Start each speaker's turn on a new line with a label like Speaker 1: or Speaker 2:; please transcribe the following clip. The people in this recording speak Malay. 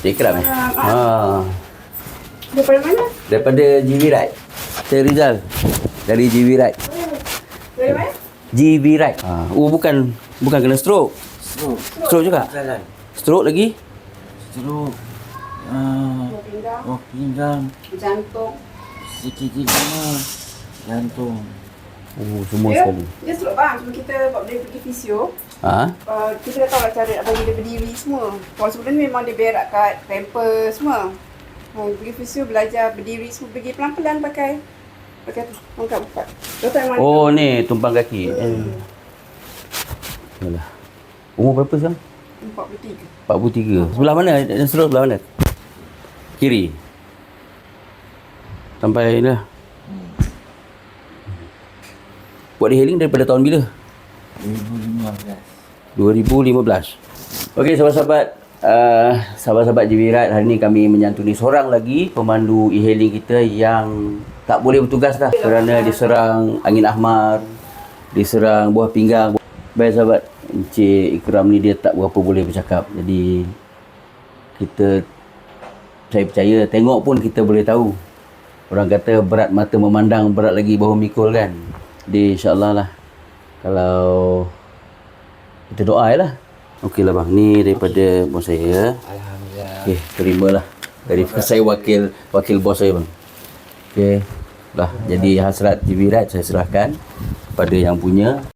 Speaker 1: Cik Ikram
Speaker 2: Daripada mana?
Speaker 1: Daripada GV Ride. Saya Rizal. Dari GV Ride.
Speaker 2: Dari mana?
Speaker 1: GV Ride. Bukan kena stroke. Stroke juga?
Speaker 3: Jalan.
Speaker 1: Stroke lagi?
Speaker 3: Stroke.
Speaker 2: Pinggang,
Speaker 3: Pinggang.
Speaker 2: jantung.
Speaker 3: Sikit mana. Jantung.
Speaker 1: Semua sekali.
Speaker 2: Dia stroke bang. Cuma kita buat dia pergi fisio. Kita dah tahu lah cara nak bagi dia berdiri semua. Kalau sebelum ni memang dia berak kat pamper semua. Pergi fisio belajar berdiri semua. Pergi pelan-pelan pakai tu. Angkat buka. Doktor memang
Speaker 1: Ni tumpang kaki. Yalah. Umur berapa sekarang?
Speaker 2: 43.
Speaker 1: 43. Sebelah mana? Dan stroke sebelah mana? Kiri. Sampai dah. Buat detailing daripada tahun bila? 2015. Okey, sahabat-sahabat, sahabat-sahabat GV Ride, hari ni kami menyantuni seorang lagi pemandu e-hailing kita yang tak boleh bertugas dah kerana diserang angin ahmar, diserang buah pinggang. Baik sahabat, Encik Ikram ni dia tak berapa boleh bercakap. Jadi saya percaya tengok pun kita boleh tahu. Orang kata berat mata memandang, berat lagi bahu mikul kan. Jadi insya-Allah lah, kalau kita doa lah. Okey lah bang, ni daripada bos saya.
Speaker 3: Alhamdulillah.
Speaker 1: Okey, terimalah. Dari saya wakil bos saya bang. Okey. Dah, jadi hasrat GV Ride saya serahkan kepada yang punya.